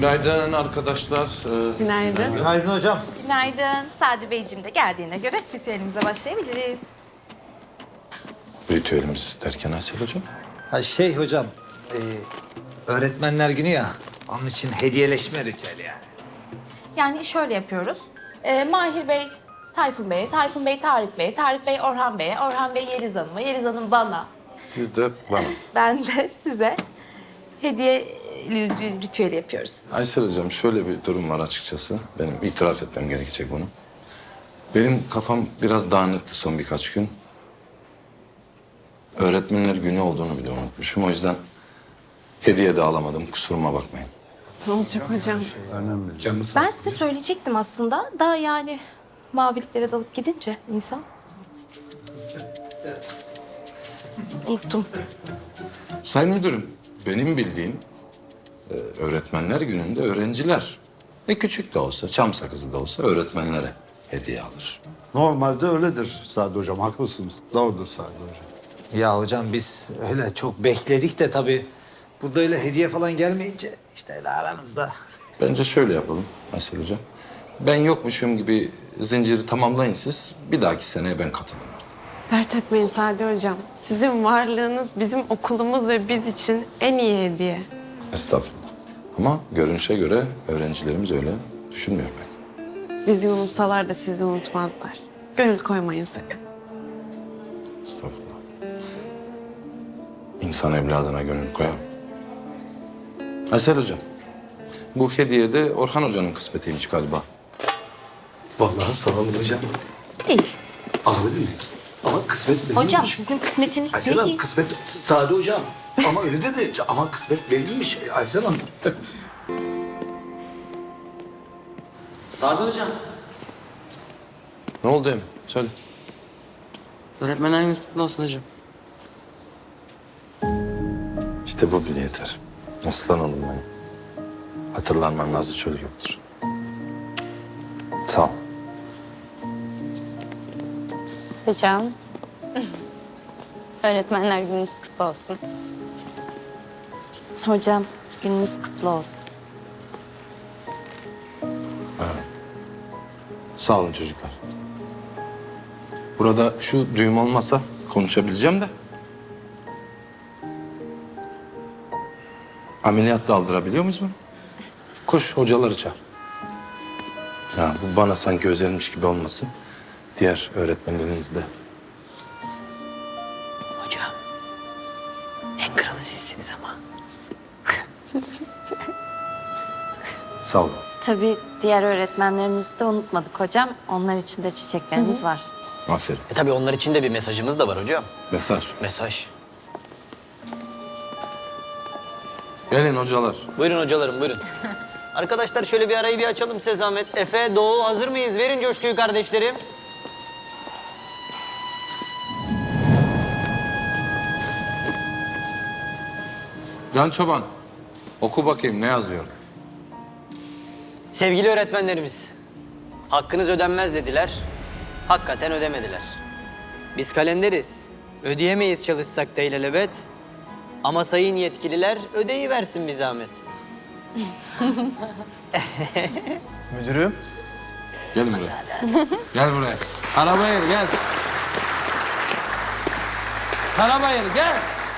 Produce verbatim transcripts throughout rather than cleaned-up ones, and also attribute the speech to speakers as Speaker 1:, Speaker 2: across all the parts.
Speaker 1: Günaydın arkadaşlar. Ee,
Speaker 2: Günaydın.
Speaker 3: Günaydın hocam.
Speaker 4: Günaydın. Sadi Beyciğim de geldiğine göre ritüelimize başlayabiliriz.
Speaker 1: ritüelimiz derken Aysel hocam.
Speaker 3: Ha şey hocam, e, öğretmenler günü ya, onun için hediyeleşme ritüeli yani.
Speaker 4: Yani şöyle yapıyoruz. Ee, Mahir Bey, Tayfun Bey'e, Tayfun Bey, Tarık Bey'e, Tarık Bey, Orhan Bey'e, Orhan Bey, Yeliz Hanım'a, Yeliz Hanım bana.
Speaker 1: Siz de bana.
Speaker 4: Ben de size hediye ritüeli yapıyoruz.
Speaker 1: Aysel hocam şöyle bir durum var açıkçası. Benim itiraf etmem gerekecek bunu. Benim kafam biraz dağınıktı son birkaç gün. Öğretmenler günü olduğunu bile unutmuşum. O yüzden hediye de alamadım. Kusuruma bakmayın.
Speaker 2: Ne olacak hocam?
Speaker 4: Ben size söyleyecektim aslında da yani maviliklere dalıp gidince insan. Unuttum.
Speaker 1: Sayın müdürüm, benim bildiğim e, öğretmenler gününde öğrenciler ne küçük de olsa, çam sakızı da olsa öğretmenlere hediye alır.
Speaker 5: Normalde öyledir Sadi Hocam, haklısınız. Doğrudur Sadi Hocam.
Speaker 3: Ya hocam biz öyle çok bekledik de tabii burada öyle hediye falan gelmeyince işte öyle aramızda.
Speaker 1: Bence şöyle yapalım Aysel hocam. Ben yokmuşum gibi zinciri tamamlayın siz. Bir dahaki seneye ben katılırım artık.
Speaker 2: Dert etmeyin Sadi hocam. Sizin varlığınız bizim okulumuz ve biz için en iyi hediye.
Speaker 1: Estağfurullah. Ama görünüşe göre öğrencilerimiz öyle düşünmüyor pek.
Speaker 2: Bizi unutsalar da sizi unutmazlar. Gönül koymayın sakın.
Speaker 1: Estağfurullah. İnsan evladına gönül koyar. Aysel hocam, bu hediye de Orhan hocanın kısmetiymiş galiba.
Speaker 6: Vallahi sağ olun hocam.
Speaker 4: Değil.
Speaker 6: Abi mi? Ama kısmet verilmiş.
Speaker 4: Hocam sizin kısmetiniz
Speaker 6: Aysel Hanım
Speaker 4: değil.
Speaker 6: kısmet Sadi hocam. Ama öyle dedi. Ama kısmet verilmiş Aysel Hanım.
Speaker 7: Sadi hocam,
Speaker 1: Ne oldu Emin? Söyle.
Speaker 7: öğretmenler gününüz kutlu olsun hocam.
Speaker 1: İşte bu bile yeter. Aslan oğlum benim. Hatırlanmam nazlı çocuk yoktur. Sağ ol.
Speaker 8: Hocam. Öğretmenler gününüz kutlu olsun. Hocam gününüz kutlu olsun.
Speaker 1: Sağ olun çocuklar. Burada şu düğüm olmasa konuşabileceğim de. Ameliyat da aldırabiliyor muyuz bunu? Koş hocaları çağır. Ya bu bana sanki özelmiş gibi olmasın. Diğer öğretmenlerinizle.
Speaker 7: Hocam, en kralı sizsiniz ama.
Speaker 1: Sağ olun.
Speaker 8: Tabii diğer öğretmenlerimizi de unutmadık hocam. Onlar için de çiçeklerimiz var.
Speaker 1: Aferin.
Speaker 7: E tabii onlar için de bir mesajımız da var hocam.
Speaker 1: Mesaj.
Speaker 7: Mesaj.
Speaker 1: Gelin hocalar.
Speaker 9: Buyurun hocalarım, buyurun. Arkadaşlar şöyle bir arayı bir açalım size zahmet. Efe, Doğu hazır mıyız? Verin coşkuyu kardeşlerim.
Speaker 1: Can Çoban, oku bakayım ne yazıyordu?
Speaker 9: Sevgili öğretmenlerimiz, hakkınız ödenmez dediler. Hakikaten ödemediler. Biz kalenderiz. Ödeyemeyiz çalışsak da ilelebet. Ama sayın yetkililer ödeyiversin bir zahmet.
Speaker 6: Müdürüm.
Speaker 1: Gel buraya. Gel buraya.
Speaker 6: Karabayır gel. Karabayır gel.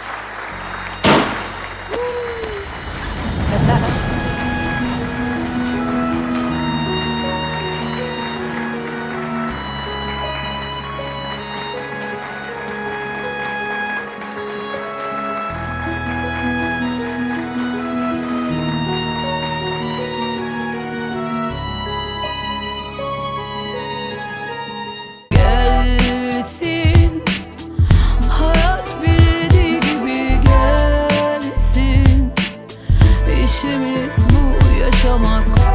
Speaker 10: Gelsin, hayat bildiği gibi gelsin. İşimiz bu yaşamak.